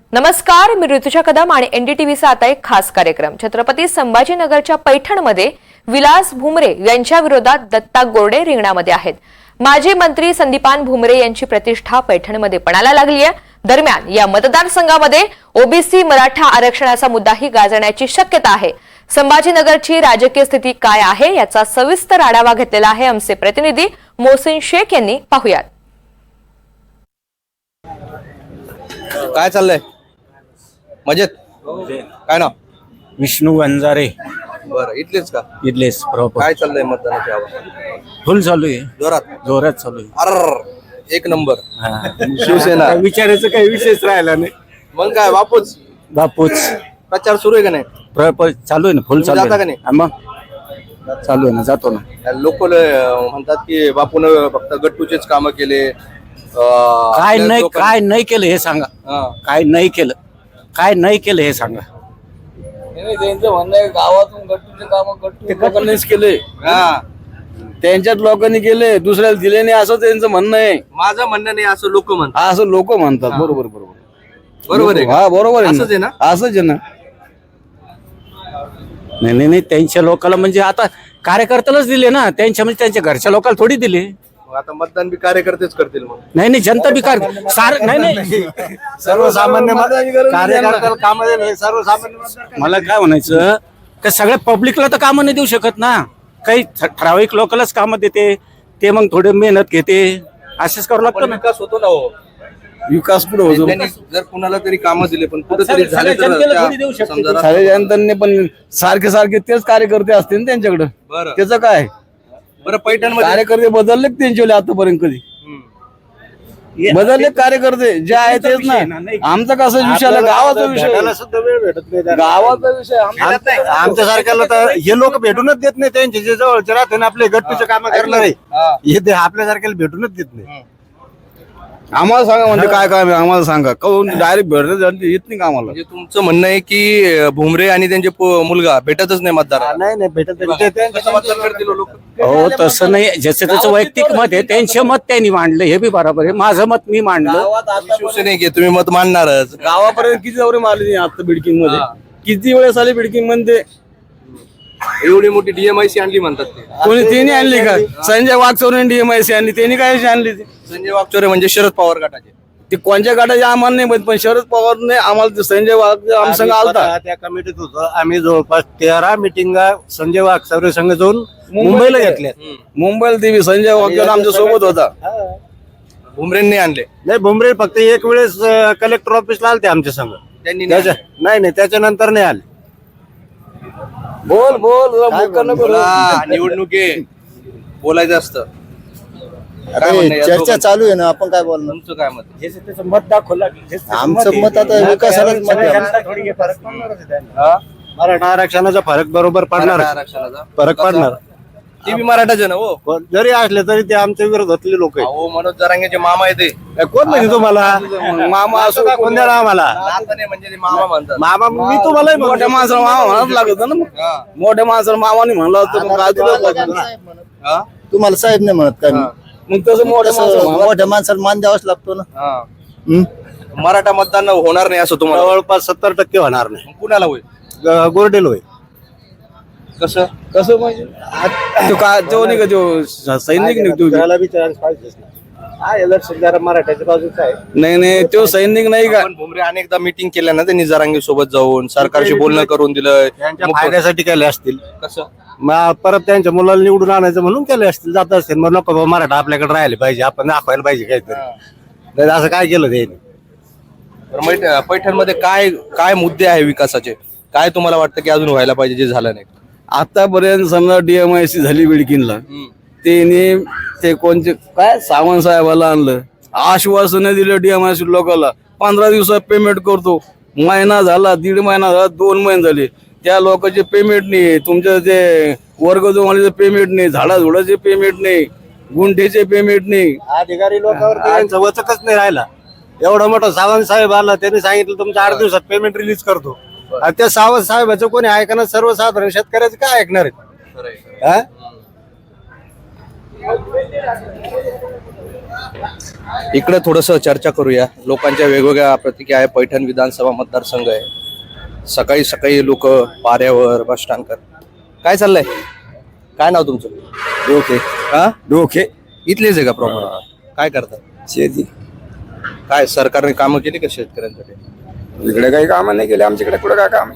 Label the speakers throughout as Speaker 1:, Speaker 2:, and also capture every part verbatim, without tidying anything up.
Speaker 1: नमस्कार, मी ऋतुजा कदम आणि एनडीटीव्हीचा आता एक खास कार्यक्रम. छत्रपती संभाजीनगरच्या पैठणमध्ये विलास भुमरे यांच्या विरोधात दत्ता गोरडे रिंगणामध्ये आहेत. माजी मंत्री संदीपान भुमरे यांची प्रतिष्ठा पैठणमध्ये पणाला लागली आहे. दरम्यान या मतदारसंघामध्ये ओबीसी मराठा आरक्षणाचा मुद्दाही गाजण्याची शक्यता आहे. संभाजीनगरची राजकीय स्थिती काय आहे याचा सविस्तर आढावा घेतलेला आहे आमचे प्रतिनिधी मोहसिन शेख यांनी. पाहूयात.
Speaker 2: काय चाललंय? मजेत? काय नाव?
Speaker 3: विष्णू वंजारे.
Speaker 2: बरं, इथलेच का?
Speaker 3: इथलेच प्रॉपर.
Speaker 2: काय चाललंय मतदानाची हवा?
Speaker 3: फुल चालू आहे,
Speaker 2: जोरात
Speaker 3: जोरात चालू आहे.
Speaker 2: अर एक नंबर.
Speaker 3: हा.
Speaker 2: शिवसेना.
Speaker 3: आता विचारायचं काही विषयच राहिला नाही.
Speaker 2: मग काय बापूच
Speaker 3: बापूच
Speaker 2: प्रचार सुरू आहे का नाही?
Speaker 3: प्रॉपर चालू आहे ना, फुल
Speaker 2: तुम्ही
Speaker 3: चालू
Speaker 2: जाता
Speaker 3: आहे.
Speaker 2: का नाही?
Speaker 3: हा, मग चालू आहे ना, जातो ना.
Speaker 2: लोक म्हणतात की बापून फक्त गट्टूचेच काम केले. अं,
Speaker 3: काय
Speaker 2: आपल्या
Speaker 3: नाही
Speaker 2: लोकांना-
Speaker 3: काय नाही केलं हे सांगा.
Speaker 2: हा.
Speaker 3: काय नाही केलं काय नाही केलं हे सांगा.
Speaker 4: त्यांचं म्हणणं आहे गावातून गट्टूचे काम गट्टू लोकांनीच केले.
Speaker 2: हा.
Speaker 4: त्यांच्यात लोकांनी केले, दुसऱ्याला दिले नाही असं त्यांचं म्हणणं आहे.
Speaker 2: माझं म्हणणं नाही असं लोक म्हणतात.
Speaker 4: हा, असं लोक म्हणतात. बरोबर बरोबर
Speaker 2: बरोबर आहे का?
Speaker 4: हा, बरोबर आहे.
Speaker 2: असंच आहे ना?
Speaker 4: असंच आहे ना.
Speaker 3: नाही नाही नाही त्यांच्या लोकांना म्हणजे आता कार्यकर्त्यालाच दिले ना, त्यांच्या म्हणजे त्यांच्या घरच्या लोकांना थोडी दिले.
Speaker 2: मग आता मतदान बी कार्यकर्तेच करतील. मग
Speaker 3: नाही नाही जनता बिकार सार नाही नाही
Speaker 4: सर्वसामान्य कार्यकर्त्याला काम सर्वसामान्य.
Speaker 3: मला काय म्हणायचं का सगळ्या पब्लिकला तर कामं नाही देऊ शकत ना. काही ठ- ठराविक लोकांनाच कामं देते, ते मग थोडे मेहनत घेते, असंच करावं लागतं
Speaker 2: पण
Speaker 3: ना.
Speaker 2: विकास होतो ना हो.
Speaker 4: विकास पुढे होतो.
Speaker 2: त्यांनी जर कुणाला तरी कामं दिले पण कुठेतरी
Speaker 3: सगळ्या-
Speaker 2: झाले
Speaker 3: सगळ्या
Speaker 2: तर
Speaker 3: जनतेला थोडी
Speaker 2: त्या-
Speaker 3: देऊ शकते.
Speaker 2: समजा
Speaker 4: सारे जनतांनी पण सारखे सारखे तेच कार्यकर्ते असतील ना त्यांच्याकडे.
Speaker 2: बरं.
Speaker 4: त्याचं काय
Speaker 2: बरं, पैठण मध्ये
Speaker 4: कार्यकर्ते बदलले का त्यांचे आतापर्यंत कधी बदलले कार्यकर्ते जे आहे तेच
Speaker 3: विषय आहे ना,
Speaker 4: ना.
Speaker 3: नाही.
Speaker 4: आमचा कसा विषय आला गावाचा विषय गावाचा विषय आमचा-
Speaker 5: आमच्या सारख्याला तर हे लोक भेटूनच देत नाही. त्यांचे जे जवळचे राहते ना आपले गट्टूचे काम करणार आहे,
Speaker 2: हा.
Speaker 5: हे ते आपल्या सारख्याला भेटूनच देत नाही.
Speaker 4: आम्हाला सांगा म्हणजे काय काम आहे आम्हाला सांगा. काहून डायरेक्ट भेटत येत नाही का आम्हाला.
Speaker 2: म्हणजे तुमचं म्हणणं आहे की अं, भुमरे आणि त्यांचे पो- मुलगा भेटतच नाही मतदार.
Speaker 5: नाही नाही भेटत नाही. ते-
Speaker 2: कसं मतदान करतील लोक?
Speaker 3: हो तसं नाही, ज्याचं त्याचं वैयक्तिक मत आहे, त्यांचे मत त्यांनी मांडलं हे बी बरोबर आहे. माझं मत मी मांडलं.
Speaker 2: शिवसेने घे, तुम्ही मत मानणारच.
Speaker 4: गावापर्यंत किती दौरे मारले आता बिडकिंग मध्ये.
Speaker 2: हा.
Speaker 4: किती वेळेस आले बिडकिंग मध्ये.
Speaker 2: एवढी मोठी डीएमआयसी आणली म्हणतात ते.
Speaker 4: कोणी त्यांनी आणली का? संजय वागचौरे डीएमआयसी आणली. त्यांनी काय आणली ती?
Speaker 2: संजय वागचोरे म्हणजे शरद पवार गटाचे.
Speaker 4: ते कोणत्या गाठाचे आम्हाला नाही माहित, पण शरद पवारने आम्हाला ते संजय वाग आमच्या संघ
Speaker 5: आम्ही
Speaker 4: आलता.
Speaker 5: स्वतः त्या कमिटीत होतो. आम्ही जवळपास तेरा मिटिंगा संजय वागचौरे संघ जाऊन मुंबईला घेतल्या.
Speaker 4: मुंबईला देवी संजय वागचौरे आमच्या सोबत होता.
Speaker 2: भुमरेंनी आणले.
Speaker 5: नाही, भुमरे फक्त एक वेळेस कलेक्टर ऑफिसला आलते आमच्या संघ.
Speaker 2: त्यांनी नाही
Speaker 5: त्याच्या
Speaker 2: आणले.
Speaker 5: नाही नाही त्याच्यानंतर नाही आले.
Speaker 4: बोल बोल जरा मुक्का नको बोलू.
Speaker 2: बोला, निवडणूक आहे, बोलायचं असतं. काय म्हणणं आहे?
Speaker 6: चर्चा चालू आहे ना, आपण काय बोलणार.
Speaker 2: तुमचं काय मत?
Speaker 3: ज्याचं त्याचं मत दाखवलं की हेच त्याचं
Speaker 6: आमचं
Speaker 3: आहे.
Speaker 6: मत आता विकासालाच मत आहे.
Speaker 3: जनता थोडी हे फरक पडणारच आहे त्यांना.
Speaker 2: हा?
Speaker 5: मराठा आरक्षणाचा फरक बरोबर पडणार.
Speaker 2: मराठा आरक्षणाचा
Speaker 5: फरक पडणार.
Speaker 2: ते बी मराठाचे ना हो.
Speaker 5: कोण जरी असले तरी ते आमच्या विरोधातले लोक आहेत.
Speaker 2: अहो, मनोज जरांगेचे मामा आहे ते.
Speaker 5: ए, कोण म्हणजे तुम्हाला
Speaker 4: मामा असो
Speaker 5: का कोण द्याला आम्हाला
Speaker 2: नातं नाही म्हणजे ते मामा म्हणतात.
Speaker 5: मामा मी तुम्हाला
Speaker 4: मोठ्या माणसाला मामा म्हणाच लागत ना मग.
Speaker 2: हा.
Speaker 4: मोठ्या माणसाला मामाने म्हणलं होतं मग काय तुला लागत ना.
Speaker 2: हा?
Speaker 6: तुम्हाला साहेब नाही म्हणत काय मी.
Speaker 4: मग तसं मोठ्या
Speaker 6: तसं
Speaker 4: माणसाला
Speaker 6: मोठ्या माणसाला मान द्यावाच लागतो ना.
Speaker 2: हा.
Speaker 6: हम्म?
Speaker 2: मराठा मतदान होणार नाही असं तुम्हाला वाटतं?
Speaker 5: जवळपास सत्तर टक्के होणार नाही.
Speaker 2: मग कुणाला होईल?
Speaker 5: ग- गोरडेल होय.
Speaker 2: कसं?
Speaker 4: कसं म्हणजे तो काय तो नाही का तो सैनिक नाही तो.
Speaker 5: त्याला बी चान्स पाहिजेच ना. हा इलेक्शन जरा मराठ्याच्या बाजूचा आहे.
Speaker 4: नाही नाही तो सैनिक नाही का.
Speaker 2: पण भुमरे अनेकदा मीटिंग केल्या ना त्यांनी जरांगे सोबत जाऊन सरकारशी बोलणं करून दिलं.
Speaker 5: त्यांच्या
Speaker 2: मग
Speaker 5: फायद्यासाठी केले असतील.
Speaker 2: कसं?
Speaker 5: मग परत त्यांच्या मुलाला निवडून आणायचं म्हणून केले असतील. जात असतील मग नको बाबा मराठा आपल्याकडे राहिले पाहिजे, आपण दाखवायला पाहिजे काहीतरी. नाही असं काय केलं त्यांनी.
Speaker 2: पैठण मध्ये काय काय मुद्दे आहे विकासाचे? काय तुम्हाला वाटतं की अजून व्हायला पाहिजे जे झालं नाही?
Speaker 4: आतापर्यंत समजा डीएमआयसी झाली बिडकिनला. त्यांनी ते कोणते काय सावंत साहेबाला आणलं, आश्वासन दिलं डीएमआयसी लोकांना. पंधरा दिवसात पेमेंट करतो. महिना झाला, दीड महिना झाला, दोन महिने झाले, त्या लोकांचे पेमेंट नाही. तुमचं ते वर्ग जोमालीचं पेमेंट नाही, झाडाझुडाचे पेमेंट नाही, गुंठेचे पेमेंट नाही.
Speaker 5: अधिकारी लोकांवर त्यांचं वचकच नाही राहिला. एवढा मोठा सावंत साहेब आला, त्यांनी सांगितलं तुमचं आठ दिवसात पेमेंट रिलीज करतो. आणि त्या सावंत साहेबाचं कोणी ऐकणार? सर्वसाधारण शेतकऱ्याचं काय ऐकणार आहेत? हा?
Speaker 2: इकडे थोडस चर्चा करूया. लोकांच्या वेगवेगळ्या प्रतिक्रिया आहे. पैठण विधानसभा मतदारसंघ आहे. सकाळी सकाळी लोक पाऱ्यावर बस स्टँडकर. काय चाललंय? काय नाव तुमचं?
Speaker 4: डोके
Speaker 2: हा
Speaker 4: डोके
Speaker 2: इथलेच आहे का प्रॉपर? काय करतात?
Speaker 4: शेती.
Speaker 2: काय सरकारने कामं केली का शेतकऱ्यांसाठी?
Speaker 7: इकडे काही काम नाही केले आमच्याकडे. कुठं काय काम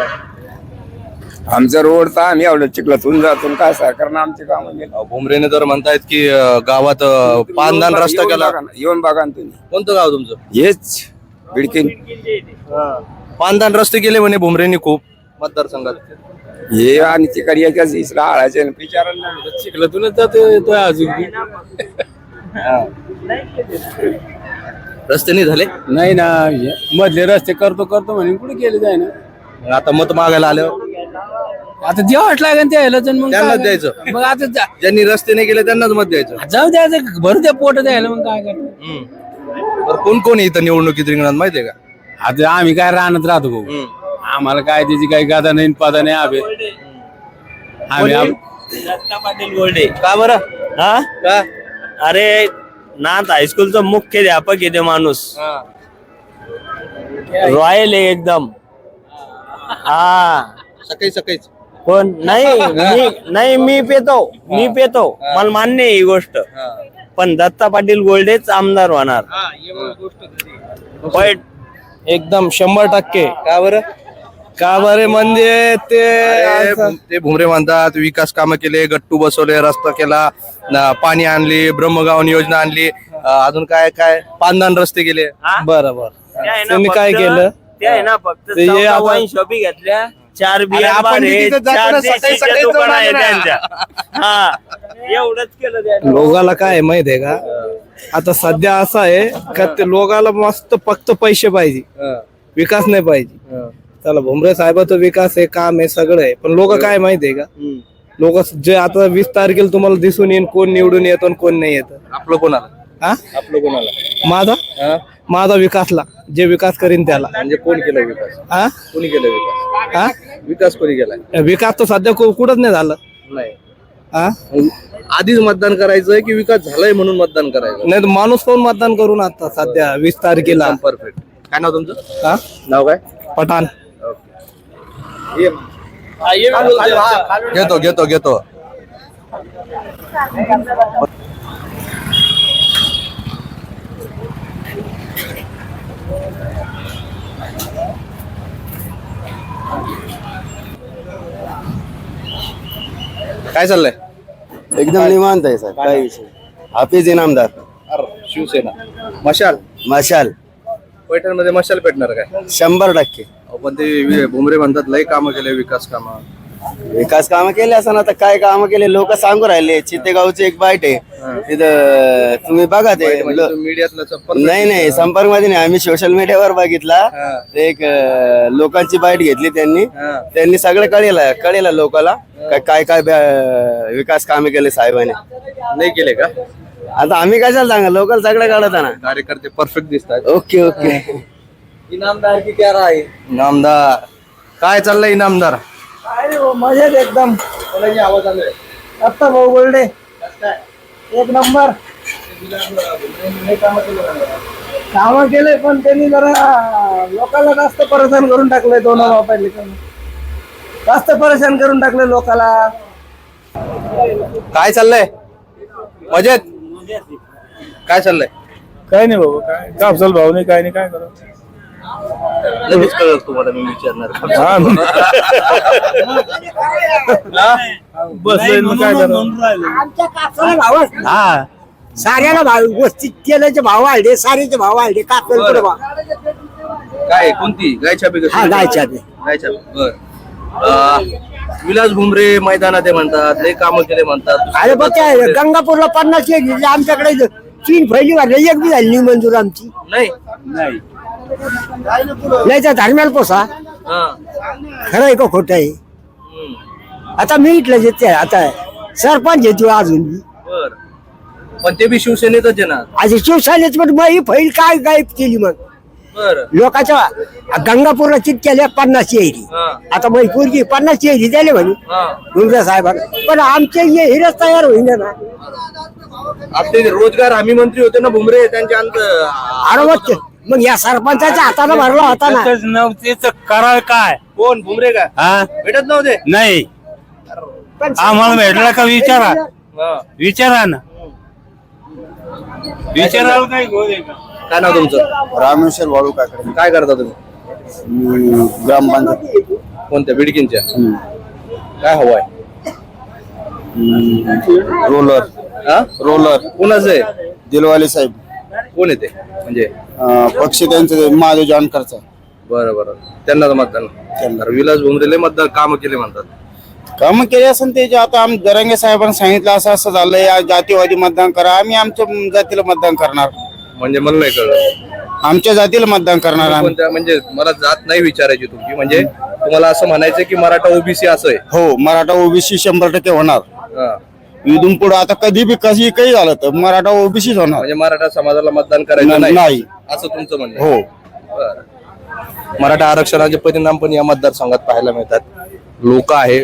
Speaker 7: आमचा रोड तर आम्ही एवढं चिखलातून जातो काय सरकारनं आमचे काम केले.
Speaker 2: अहो, भुमरेने तर म्हणतायत की अं, गावात अं, पानदान रस्ता केला.
Speaker 7: येऊन बघा ना तुम्ही.
Speaker 2: कोणतं गाव तुमचं?
Speaker 7: हेच बिडकीन
Speaker 2: पानदान रस्ते केले म्हणे भुमरेंनी खूप मतदारसंघात.
Speaker 7: हे आणि तिकडे याच्याच इसरा आळाचे विचारायला चिखलातूनच जातो अजून
Speaker 2: रस्ते नाही झाले.
Speaker 3: नाही ना, मधले रस्ते करतो करतो म्हणे कुठे गेले जाय ना.
Speaker 2: मग आता मत मागायला आल्यावर
Speaker 3: आता जेवाच लागेल त्याला तर मग
Speaker 2: त्यांनाच
Speaker 3: काय?
Speaker 2: द्यायचं.
Speaker 3: मग आता जा-
Speaker 2: ज्यांनी रस्ते नाही केले त्यांनाच मत द्यायचं.
Speaker 3: जाऊ द्यायचं भरू द्या पोट द्यायला मग काय करतो.
Speaker 2: हम्म. बरं, कोण कोण आहे इथं निवडणुकीत रिंगणात माहितीये का?
Speaker 3: आता आम्ही काय राहण्यात राहतो भाऊ.
Speaker 2: हम्म.
Speaker 3: आम्हाला काय त्याची काही गादा नाही पादा नाही आम्ही आम्ही आम-
Speaker 8: दत्ता पाटील गोल्डे.
Speaker 2: का बरं?
Speaker 8: हा
Speaker 2: का?
Speaker 8: अरे नाथ हायस्कूलचा मुख्याध्यापक आहे ते माणूस. रॉयल आहे एकदम. हा
Speaker 2: सकाळी सकाळीच.
Speaker 8: कोण नाही मी नाही मी पेतो मी पेतो मला मान्य आहे ही गोष्ट. पण दत्ता पाटील गोल्डेच आमदार होणार. पण
Speaker 5: एकदम शंभर टक्के.
Speaker 2: का बरं?
Speaker 5: का बरे म्हणजे ते
Speaker 2: अरे, ते भुमरे म्हणतात विकास कामं केले, गट्टू बसवले, रस्ता केला, न- पाणी आणली, ब्रह्मगावन योजना आणली, अं, अजून काय काय पानदान रस्ते केले.
Speaker 5: बरोबर.
Speaker 8: ते आहे ना
Speaker 5: त्यांनी काय
Speaker 8: फक्त-
Speaker 5: केलं?
Speaker 8: ते आहे ना फक्त
Speaker 5: ते हे आपण-
Speaker 8: वाईन शॉपी घेतल्या. चार बिया
Speaker 2: आपण बी तिथे जातो
Speaker 8: चार
Speaker 2: ना, सकाळी
Speaker 8: देशीचे
Speaker 2: सकाळी
Speaker 8: दुकान
Speaker 2: जाऊन
Speaker 8: आहे
Speaker 2: आलो ना.
Speaker 8: त्यांच्या. हा एवढंच केलं त्यांनी.
Speaker 5: लोकाला काय आहे माहित आहे का? आता सध्या असं आहे का ते लोकाला मस्त फक्त पैसे पाहिजे, विकास नाही पाहिजे. चला भुमरे साहेबाचं विकास आहे, काम आहे, सगळं आहे. पण लोक काय माहितीये का? लोक जे आता वीस तारखेला तुम्हाला दिसून येईल कोण निवडून येतो आणि कोण नाही येत.
Speaker 2: आपलं कोणाला?
Speaker 5: हा
Speaker 2: आपलं कोणाला?
Speaker 5: माझा
Speaker 2: हा?
Speaker 5: माझा विकासला जे विकास करीन त्याला.
Speaker 2: म्हणजे कोण केलं विकास?
Speaker 5: हा
Speaker 2: कोणी केलं विकास?
Speaker 5: हा
Speaker 2: विकास कोणी केलाय?
Speaker 5: विकास तर सध्या कु- कुठंच नाही झालं.
Speaker 2: नाही.
Speaker 5: हा
Speaker 2: आधीच मतदान करायचंय की विकास झालाय म्हणून मतदान करायचं?
Speaker 5: नाही तर माणूस कोण मतदान करून आता सध्या वीस तारखेला.
Speaker 2: परफेक्ट. काय नाव तुमचं?
Speaker 5: हा
Speaker 2: नाव काय?
Speaker 5: पठाण.
Speaker 2: घेतो घेतो घेतो. काय चाललंय?
Speaker 6: एकदम निवांत आहे सर. काय विषय हाफिज इनामदार
Speaker 2: अरे, शिवसेना मशाल.
Speaker 6: मशाल
Speaker 2: पैठण मध्ये मशाल पेटणार काय?
Speaker 6: शंभर टक्के.
Speaker 2: अहो, पण ते वि- भुमरे म्हणतात लय कामं केले, विकास कामं.
Speaker 6: विकास कामं केले असं ना तर काय कामं केले लोक सांगू राहिले. चितेगावचे एक बाईट आहे तिथं तुम्ही बघा ते लो-
Speaker 2: मीडियातलं संपर्क.
Speaker 6: नाही नाही संपर्क मध्ये नाही आम्ही सोशल मीडियावर बघितला. ते एक अं, लोकांची बाईट घेतली त्यांनी.
Speaker 2: हा.
Speaker 6: त्यांनी सगळं कळेल कळेल लोकांना काय काय काय ब्या- विकास कामे केले साहेबांनी.
Speaker 2: नाही केले का?
Speaker 6: आता आम्ही कशाला सांगा लोकल सगळं कळत ना.
Speaker 2: कार्यकर्ते परफेक्ट दिसतात.
Speaker 6: Okay okay.
Speaker 2: इनामदार की क्या राय? इनामदार काय चाललंय? इनामदार
Speaker 5: मजेत एकदम.
Speaker 2: कोणाची आवाज आलोय?
Speaker 5: आता भाऊ गोल्डे एक नंबर काम केले, पण त्यांनी जरा लोकांना जास्त परेशान करून टाकलंय. दोन वापरले जास्त परेशान करून टाकले लोकाला.
Speaker 2: काय चाललंय? मजेत? काय चाललंय?
Speaker 5: काय नाही बाबा, काय कापसाल भाव नाही, काय नाही, काय करा.
Speaker 2: लगेच कळत तुम्हाला मी विचारणार.
Speaker 5: हा साऱ्याला भाव वस्ती तेलाचे भाव वाढले, सारीचे भाव वाढले. कापसाला पुढे भाव.
Speaker 2: काय कोणती गायच्या बी?
Speaker 5: हा, गायच्या बी.
Speaker 2: गायच्या बी. बर. अं, विलास भुमरे मैदानात आहे म्हणतात, लय कामं केले म्हणतात.
Speaker 5: अरे बघ काय गंगापूरला पन्नास एक घेतली, आमच्याकडे तीन फैली वाढले, एक बी झाली नाही मंजूर आमची.
Speaker 2: नाही.
Speaker 5: नाही तर धर्म्याला पोसा.
Speaker 2: हा.
Speaker 5: खरं आहे का खोटं आहे?
Speaker 2: हम्म.
Speaker 5: आता मी इथलं येते आता सरपंच येतो अजून बी.
Speaker 2: बर. पण ते बी शिवसेनेतच आहे ना.
Speaker 5: आज शिवसेनेच पण मग ही फैल काय गायब केली मग
Speaker 2: बरं
Speaker 8: लोकांच्या गंगापूरला चित केल्या पन्नास येरी
Speaker 2: हा.
Speaker 8: आता मैपूरची पन्नास येरी झाले म्हणे
Speaker 2: हा.
Speaker 8: भुमरे साहेबांना. पण आमचे हे हिरच तयार होईना ना.
Speaker 2: आपले रोजगार हमी मंत्री होते ना भुमरे, त्यांच्या अंत
Speaker 8: अरे मग मग या सरपंचाच्या हाताला भरला होता ना.
Speaker 3: नव्हतेच कराल काय
Speaker 2: कोण भुमरे का
Speaker 3: हा
Speaker 2: भेटत नव्हते?
Speaker 3: नाही
Speaker 8: पण
Speaker 3: आम्हाला भेटला का विचारा
Speaker 2: हा.
Speaker 3: विचारा ना विचारायला काय गोल आहे का?
Speaker 2: काय नाव तुमचं?
Speaker 6: रामेश्वर वाळू काकडे
Speaker 2: काय करता तुम्ही?
Speaker 6: ग्रामपंचायत
Speaker 2: कोणत्या बिडकींच्या? काय हवंय?
Speaker 6: रोलर
Speaker 2: हा?
Speaker 6: रोलर
Speaker 2: कोणाचं आहे?
Speaker 6: दिलवाले साहेब
Speaker 2: कोण येते म्हणजे?
Speaker 6: अं, पक्ष त्यांचे महादेव जानकरचा.
Speaker 2: बरं बरं, त्यांना तर मतदान करणार. विलास भुमरेले मतदान काम केले म्हणतात.
Speaker 6: काम केले असेल ते जे आता आम जरांगे साहेबांनी सांगितलं असं असं झालंय, या जातीवादी मतदान करा. आम्ही आमच्या जातीला मतदान करणार,
Speaker 2: म्हणजे मला नाही कळलं
Speaker 6: आमच्या जातीला मतदान करणार आम्ही.
Speaker 2: कोणत्या, म्हणजे मला जात नाही विचारायची तुमची, म्हणजे तुम्हाला असं म्हणायचं की मराठा ओबीसी असं आहे?
Speaker 6: हो, मराठा ओबीसी शंभर टक्के होणार.
Speaker 2: हा.
Speaker 6: इथून पुढे आता कधी बी कशी काही झालं तर मराठा ओबीसीच होणार.
Speaker 2: म्हणजे मराठा समाजाला मतदान करायचं
Speaker 6: नाही.
Speaker 2: नाही असं तुमचं म्हणणं आहे?
Speaker 6: हो.
Speaker 2: बरं. मराठा आरक्षणाचे परिणाम पण या मतदारसंघात पाहायला मिळतात. लोक आहे,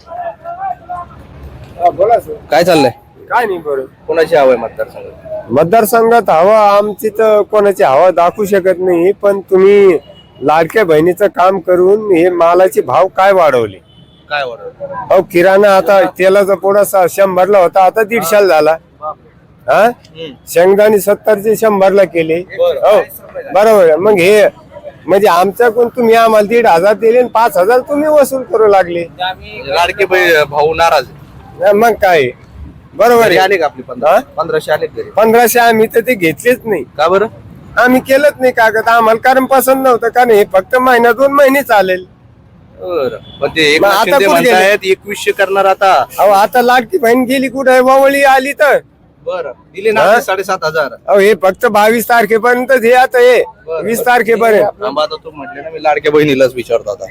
Speaker 2: काय चाललंय?
Speaker 9: काय नाही बरोबर.
Speaker 2: कोणाची हवं आहे मतदारसंघात?
Speaker 9: मतदारसंघात हवा आमची तर कोणाची हवा दाखवू शकत नाही. पण तुम्ही लाडक्या बहिणीचं काम करून हे मालाचे भाव काय वाढवले?
Speaker 2: काय वाटत?
Speaker 9: अहो किराणा आता तेलाचा पुढा शंभरला होता, आता दीडशाला झाला. हा, शेंगदाणे सत्तरचे शंभरला केले. हो बरोबर आहे. मग हे म्हणजे आमच्याकडून तुम्ही आम्हाला दीड हजार दिले आणि पाच हजार तुम्ही वसूल करू लागले.
Speaker 2: लाडके बै- भाऊ नाराज आहे.
Speaker 9: मग काय बरोबर
Speaker 2: घरी
Speaker 9: आहे.
Speaker 2: आले का आपली पंधरा पंधराशे आले घरी?
Speaker 9: पंधराशे आम्ही तर ते घेतलेच नाही.
Speaker 2: का बरं?
Speaker 9: आम्ही केलंच नाही कागद आम्हाला, कारण पसंत नव्हतं. कारण हे फक्त महिना दोन महिने चालेल.
Speaker 2: बरं. पण ते
Speaker 9: मग
Speaker 2: एकनाथ
Speaker 9: आता
Speaker 2: शिंदे
Speaker 9: कुठे गेले?
Speaker 2: म्हणतायत एकवीसशे करणार आता.
Speaker 9: अहो आता लाडकी बहीण गेली कुठे? वावळी आली तर.
Speaker 2: बरं, दिले ना
Speaker 9: हा?
Speaker 2: ते साडेसात हजार.
Speaker 9: अहो हे फक्त बावीस तारखेपर्यंत हे आता हे वीस तारखेपर्यंत.
Speaker 2: थांबा, आता तू म्हटले ना, मी लाडक्या बहिणीलाच विचारतो आता.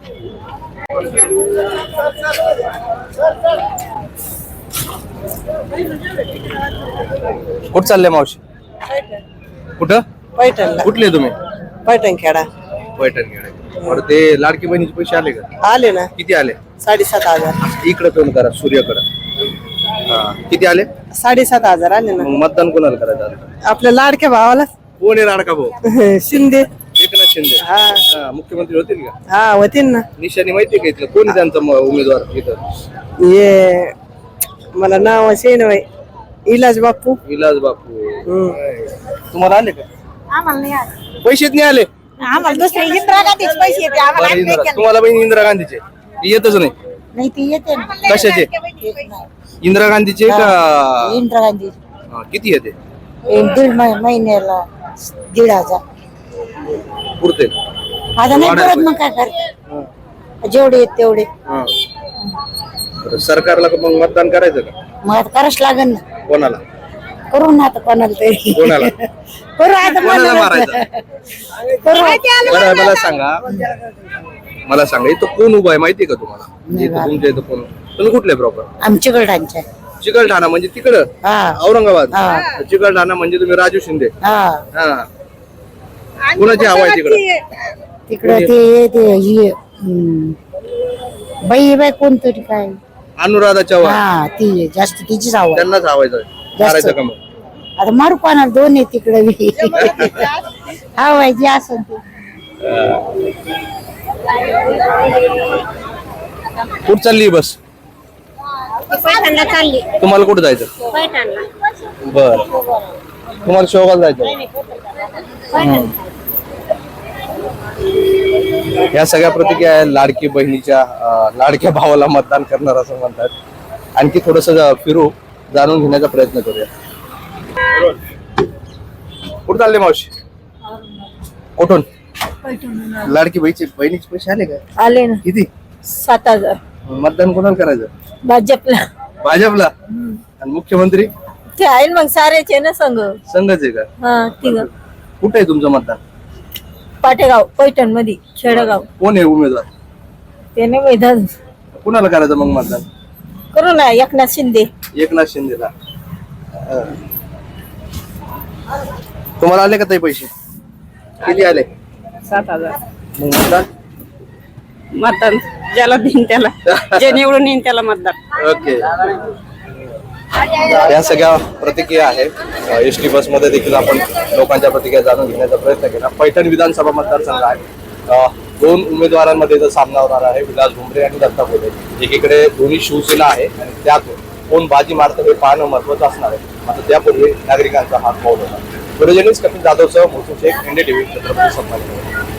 Speaker 2: कुठं चालले मावशी? कुठं?
Speaker 10: पैठणला.
Speaker 2: कुठले तुम्ही?
Speaker 10: पैठण खेडा
Speaker 2: पैठण खेडे. बरं, ते लाडकी बहिणीचे पैसे आले का?
Speaker 10: आले ना.
Speaker 2: किती आले?
Speaker 10: साडेसात हजार
Speaker 2: इकडे तोंड करा, सूर्याकडे. हा, किती आले?
Speaker 10: साडेसात हजार आले ना.
Speaker 2: मग मतदान कोणाला करायचं आता?
Speaker 10: आपल्या लाडक्या भावाला
Speaker 2: कोण आहे लाडका भाऊ?
Speaker 10: शिंदे.
Speaker 2: एकनाथ शिंदे.
Speaker 10: हा
Speaker 2: हा, मुख्यमंत्री होतील का?
Speaker 10: हा होतील ना.
Speaker 2: निशाणी माहिती का इथलं? कोण आहे त्यांचा म- उमेदवार इथं?
Speaker 10: ये मला नाव असे ना इलाज बापू.
Speaker 2: विलास बापू.
Speaker 10: हम्म.
Speaker 2: तुम्हाला आले का?
Speaker 11: आम्हाला नाही आलं.
Speaker 2: पैसेच नाही आले?
Speaker 11: आम्हाला दुसरे इंदिरा गांधीचे पैसे येते आम्हाला
Speaker 2: बरं,
Speaker 11: आम्ही
Speaker 2: इंदिरा-
Speaker 11: नाही केलं.
Speaker 2: तुम्हाला बहीण इंदिरा गांधीचे येतच नाही?
Speaker 11: नाही ती येते ना.
Speaker 2: कशाचे?
Speaker 11: येत नाही.
Speaker 2: इंदिरा गांधीचे का?
Speaker 11: इंदिरा गांधी
Speaker 2: हा, किती येते?
Speaker 11: दीड महि- महिन्याला दीड हजार.
Speaker 2: पुरते?
Speaker 11: आता नाही
Speaker 2: वाढायला
Speaker 11: परत मग काय करते? जेवढे येत तेवढे
Speaker 2: हा. बरं, सरकारला का मग मतदान करायचं का?
Speaker 11: मग आता करावंच लागेल ना.
Speaker 2: कोणाला?
Speaker 11: करू ना आता कोणाला तरी.
Speaker 2: कोणाला?
Speaker 11: करू आता
Speaker 2: कोणाला
Speaker 11: मला-
Speaker 2: मारायचं?
Speaker 11: करू.
Speaker 2: बरं, मला सांगा मला सांगा इथं कोण उभा आहे माहितीये का तुम्हाला? म्हणजे इथं तुमच्या इथं कोण? तुम्ही कुठले प्रॉपर?
Speaker 11: आमच्या गडांच्या.
Speaker 2: चिकलठाणा म्हणजे तिकडं
Speaker 11: हा
Speaker 2: औरंगाबाद.
Speaker 11: हा.
Speaker 2: चिकलठाणा म्हणजे तुम्ही राजू शिंदे.
Speaker 11: हा
Speaker 2: हा. कुणाची हवा आहे तिकडं?
Speaker 11: तिकडं ते ते ही हम्म, बाई बाई कोणतरी काय.
Speaker 2: अनुराधा चव्हाण.
Speaker 11: हा ती जास्त तिचीच आवड.
Speaker 2: त्यांनाच हवायचं मारायचं का मग?
Speaker 11: आता मारू कोणाला दोन आहे तिकडे बी. हा व्हायची असं ते.
Speaker 2: कुठं चालली बस?
Speaker 11: पैठणला चालली.
Speaker 2: तुम्हाला कुठं जायचं?
Speaker 11: पैठणला.
Speaker 2: बर, तुम्हाला शेवगाला जायचं? या सगळ्या प्रतिक्रिया आहेत लाडकी बहिणीच्या अं, लाडक्या भावाला मतदान करणार असं म्हणतात. आणखी थोडस फिरू, जाणून घेण्याचा प्रयत्न करूया. कुठं चालले मावशी? कुठून? लाडकी बहिणीचे बहिणीचे पैसे आले का?
Speaker 11: आले ना
Speaker 2: किती?
Speaker 11: सात हजार.
Speaker 2: मतदान कोणाला करायचं?
Speaker 11: भाजपला.
Speaker 2: भाजपला. आणि मुख्यमंत्री
Speaker 11: ते आहे मग सारेचे ना संघ.
Speaker 2: संघच आहे का?
Speaker 11: हा तिघ.
Speaker 2: कुठे आहे तुमचं मतदान?
Speaker 11: पाटेगाव पैठण मध्ये खेडगाव.
Speaker 2: कोण आहे उमेदवार?
Speaker 11: ते नाही मैदान.
Speaker 2: कुणाला करायचं मग मतदान?
Speaker 11: करू ना एकनाथ शिंदे.
Speaker 2: एकनाथ शिंदेला. अं. तुम्हाला आले का ताई पैसे? किती आले
Speaker 10: सात हजार
Speaker 2: मग मतदान
Speaker 10: मतदान ज्याला देईन त्याला जे निवडून येईन त्याला मतदान.
Speaker 2: ओके. या सगळ्या प्रतिक्रिया आहेत. एस टी बस मध्ये देखील आपण लोकांच्या प्रतिक्रिया जाणून घेण्याचा प्रयत्न केला. पैठण विधानसभा मतदारसंघ आहे. अ, दोन उमेदवारांमध्ये इथं सामना होणार आहे, विलास भुमरे आणि दत्ता गोडे. एकीकडे दोन्ही शिवसेना आहे आणि त्यात कोण बाजी मारतं हे पाहणं महत्वाचं असणार आहे. आता त्यापूर्वी नागरिकांचा हात पाऊल होता. व्हिडिओ जर्नलिस्ट कपिल जाधवसह मोसू शेख, एनडीटीव्ही, छत्रपती संभाजीनगर.